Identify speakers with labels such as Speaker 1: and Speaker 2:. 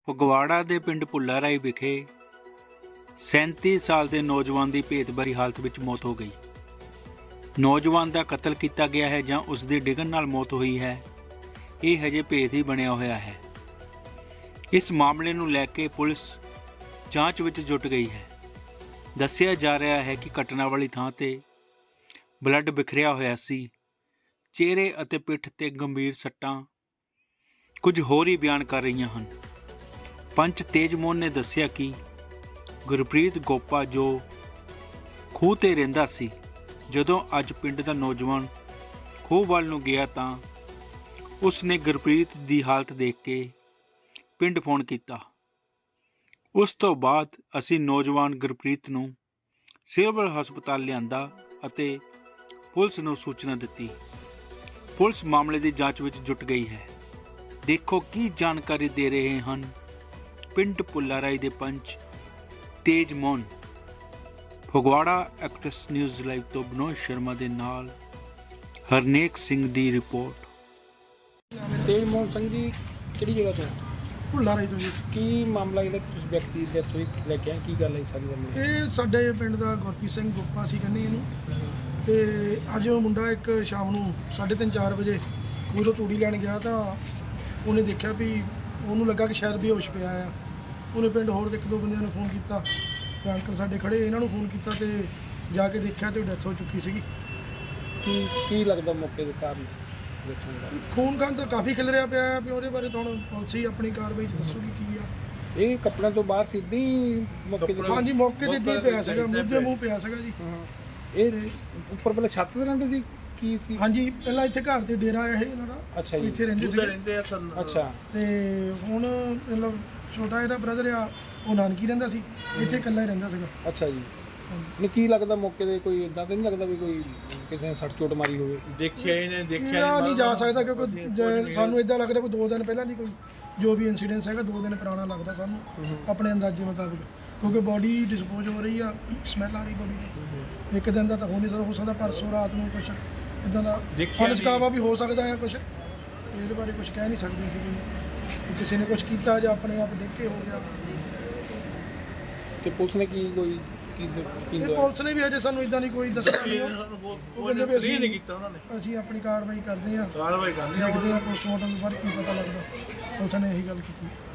Speaker 1: ਫਗਵਾੜਾ ਦੇ ਪਿੰਡ ਭੁੱਲਾ ਰਾਈ ਵਿਖੇ 37 ਸਾਲ ਦੇ ਨੌਜਵਾਨ ਦੀ ਭੇਤਭਰੀ ਹਾਲਤ ਵਿੱਚ ਮੌਤ ਹੋ ਗਈ। ਨੌਜਵਾਨ ਦਾ ਕਤਲ ਕੀਤਾ ਗਿਆ ਹੈ ਜਾਂ ਉਸ ਦੀ ਡਿੱਗਣ ਨਾਲ ਮੌਤ ਹੋਈ ਹੈ, ਇਹ ਹਜੇ ਭੇਤ ਹੀ ਬਣਿਆ ਹੋਇਆ ਹੈ। ਇਸ ਮਾਮਲੇ ਨੂੰ ਲੈ ਕੇ ਪੁਲਿਸ ਜਾਂਚ ਵਿੱਚ ਜੁਟ ਗਈ ਹੈ। ਦੱਸਿਆ ਜਾ ਰਿਹਾ ਹੈ ਕਿ ਘਟਨਾ ਵਾਲੀ ਥਾਂ ਤੇ ਬਲੱਡ ਬਿਖਰਿਆ ਹੋਇਆ ਸੀ। ਚਿਹਰੇ ਅਤੇ ਪਿੱਠ ਤੇ ਗੰਭੀਰ ਸੱਟਾਂ ਕੁਝ ਹੋਰ ਹੀ ਬਿਆਨ ਕਰ ਰਹੀਆਂ ਹਨ। ਪੰਚ ਤੇਜਮੋਹਨ ਨੇ ਦੱਸਿਆ ਕਿ ਗੁਰਪ੍ਰੀਤ ਗੋਪਾ ਜੋ ਖੂਹ ਤੇ ਰਹਿੰਦਾ ਸੀ, ਜਦੋਂ ਅੱਜ ਪਿੰਡ ਦਾ ਨੌਜਵਾਨ ਖੂਹ ਵੱਲ ਨੂੰ ਗਿਆ ਤਾਂ ਉਸ ਨੇ ਗੁਰਪ੍ਰੀਤ ਦੀ ਹਾਲਤ ਦੇਖ ਕੇ ਪਿੰਡ ਫੋਨ ਕੀਤਾ। ਉਸ ਤੋਂ ਬਾਅਦ ਅਸੀਂ ਨੌਜਵਾਨ ਗੁਰਪ੍ਰੀਤ ਨੂੰ ਸਿਵਲ ਹਸਪਤਾਲ ਲਿਆਂਦਾ ਅਤੇ ਪੁਲਿਸ ਨੂੰ ਸੂਚਨਾ ਦਿੱਤੀ। ਪੁਲਿਸ ਮਾਮਲੇ ਦੀ ਜਾਂਚ ਵਿੱਚ ਜੁਟ ਗਈ ਹੈ। ਦੇਖੋ ਕੀ ਜਾਣਕਾਰੀ ਦੇ ਰਹੇ ਹਨ ਪਿੰਡ ਭੁੱਲਾ ਰਾਈ ਦੇ panch Tejmohan. Phagwara actors news live ਤੋਂ ਬਨੋਦ ਸ਼ਰਮਾ ਦੇ ਨਾਲ ਹਰਨੇਕ ਸਿੰਘ ਦੀ ਰਿਪੋਰਟ।
Speaker 2: ਤੇਜਮੋਹਨ ਸਿੰਘ ਜੀ, ਕਿਹੜੀ ਜਗ੍ਹਾ ਤੋਂ?
Speaker 3: ਭੁੱਲਾ ਰਾਈ ਤੋਂ ਜੀ।
Speaker 2: ਕੀ ਮਾਮਲਾ ਜਿਹੜਾ ਤੁਸੀਂ ਵਿਅਕਤੀ ਦੇ ਇੱਥੋਂ ਲੈ ਕੇ ਆਏ, ਕੀ ਗੱਲ ਹੈ ਸਾਰੀ ਗੱਲ?
Speaker 3: ਇਹ ਸਾਡੇ ਪਿੰਡ ਦਾ ਗੁਰਪ੍ਰੀਤ ਸਿੰਘ ਗੋਪਾ ਸੀ ਕਹਿੰਦੇ ਇਹਨੂੰ, ਤੇ ਅੱਜ ਉਹ ਮੁੰਡਾ ਇੱਕ ਸ਼ਾਮ ਨੂੰ 3:30-4 ਵਜੇ ਖੂਹ ਤੋਂ ਤੂੜੀ ਲੈਣ ਗਿਆ ਤਾਂ ਉਹਨੇ ਦੇਖਿਆ ਵੀ ਉਹਨੂੰ ਲੱਗਾ ਕਿ ਸ਼ਾਇਦ ਬੇਹੋਸ਼ ਪਿਆ ਆ। ਉਹਨੇ ਪਿੰਡ ਹੋਰ ਦੇ 1-2 ਬੰਦਿਆਂ ਨੂੰ ਫੋਨ ਕੀਤਾ ਤੇ ਅੰਕਲ ਸਾਡੇ ਖੜੇ, ਇਹਨਾਂ ਨੂੰ ਫੋਨ ਕੀਤਾ ਤੇ ਜਾ ਕੇ ਦੇਖਿਆ ਤੇ ਡੈਥ ਹੋ ਚੁੱਕੀ ਸੀਗੀ।
Speaker 2: ਕੀ ਲੱਗਦਾ ਮੌਕੇ ਦੇ ਕਾਰਨ?
Speaker 3: ਖੂਨ ਖਾਨ ਤਾਂ ਕਾਫੀ ਖਿਲ ਰਿਹਾ ਪਿਆ ਆ ਵੀ ਉਹਦੇ ਬਾਰੇ ਤਾਂ ਹੁਣ ਪੁਲਿਸ ਹੀ ਆਪਣੀ ਕਾਰਵਾਈ 'ਚ ਦੱਸੂਗੀ ਕੀ ਆ।
Speaker 2: ਇਹ ਕੱਪੜਿਆਂ ਤੋਂ ਬਾਹਰ ਸਿੱਧੀ ਮੌਕੇ ਤੇ?
Speaker 3: ਹਾਂਜੀ, ਮੌਕੇ ਤੇ ਇੱਦਾਂ ਹੀ ਪਿਆ ਸੀਗਾ, ਮੂੰਹ ਦੇ ਮੂੰਹ ਪਿਆ ਸੀਗਾ ਜੀ।
Speaker 2: ਇਹ ਉੱਪਰ ਪਹਿਲਾਂ ਛੱਤ ਤੇ ਰਹਿੰਦੇ ਸੀ? ਕੀ ਸੀ?
Speaker 3: ਹਾਂਜੀ, ਪਹਿਲਾਂ ਇੱਥੇ ਘਰ ਤੇ ਡੇਰਾ ਆਇਆ ਸੀ ਇਹਨਾਂ ਦਾ।
Speaker 2: ਅੱਛਾ ਜੀ।
Speaker 3: ਇੱਥੇ ਰਹਿੰਦੇ ਸੀਗੇ।
Speaker 2: ਅੱਛਾ।
Speaker 3: ਤੇ ਹੁਣ ਮਤਲਬ ਛੋਟਾ ਇਹਦਾ ਬ੍ਰਦਰ ਆ, ਉਹ ਨਾਨਕੀ ਰਹਿੰਦਾ ਸੀ, ਇੱਥੇ ਇਕੱਲਾ ਹੀ ਰਹਿੰਦਾ ਸੀਗਾ।
Speaker 2: ਅੱਛਾ ਜੀ। ਨਹੀਂ, ਕੀ ਲੱਗਦਾ ਮੌਕੇ ਤੇ ਕੋਈ ਇਦਾਂ ਤਾਂ ਨਹੀਂ ਲੱਗਦਾ ਵੀ ਕੋਈ ਕਿਸੇ ਨੇ ਸੱਟ ਚੋਟ ਮਾਰੀ ਹੋਵੇ?
Speaker 3: ਦੇਖਿਆ ਨਹੀਂ ਜਾ ਸਕਦਾ ਕਿਉਂਕਿ ਸਾਨੂੰ ਇਦਾਂ ਲੱਗਦਾ ਕੋਈ 2 ਦਿਨ ਪਹਿਲਾਂ ਦੀ ਕੋਈ ਜੋ ਵੀ ਇਨਸੀਡੈਂਸ ਹੈਗਾ 2 ਦਿਨ ਪੁਰਾਣਾ ਲੱਗਦਾ ਸਾਨੂੰ ਆਪਣੇ ਅੰਦਾਜ਼ੇ ਮੁਤਾਬਿਕ, ਕਿਉਂਕਿ ਬੋਡੀ ਡਿਸਪੋਜ਼ ਹੋ ਰਹੀ ਆ, ਸਮੈਲ ਆ ਰਹੀ ਬੋਡੀ ਦੀ। ਇੱਕ ਦਿਨ ਦਾ ਤਾਂ ਹੋ ਸਕਦਾ ਪਰਸੋਂ ਰਾਤ ਨੂੰ ਕੁਛ ਇਦਾਂ ਦਾ ਅਨਸਕਾਵਾ ਵੀ ਹੋ ਸਕਦਾ ਹੈ। ਕੁਛ ਇਹਦੇ ਬਾਰੇ ਕੁਝ ਕਹਿ ਨਹੀਂ ਸਕਦੇ ਸੀ ਕਿ ਕਿਸੇ ਨੇ ਕੁਝ ਕੀਤਾ ਜਾਂ ਆਪਣੇ ਆਪ ਡਿੱਗ ਕੇ ਹੋ ਗਿਆ।
Speaker 2: ਤੇ ਪੁਲਿਸ ਨੇ ਕੀ
Speaker 3: ਪੁਲਿਸ ਨੇ ਵੀ ਅਜੇ ਸਾਨੂੰ ਇਦਾਂ ਨਹੀਂ ਕੋਈ ਦੱਸਿਆ ਨਹੀਂ। ਉਹ ਕਹਿੰਦੇ ਵੀ ਅਸੀਂ ਨਹੀਂ ਕੀਤਾ, ਉਹਨਾਂ ਨੇ ਅਸੀਂ ਆਪਣੀ ਕਾਰਵਾਈ ਕਰਦੇ ਹਾਂ, ਦੇਖਦੇ ਹਾਂ ਪੋਸਟਮਾਰਟਮ ਤੋਂ ਬਾਅਦ ਕੀ ਪਤਾ ਲੱਗਦਾ। ਪੁਲਿਸ ਨੇ ਇਹੀ ਗੱਲ ਕੀਤੀ।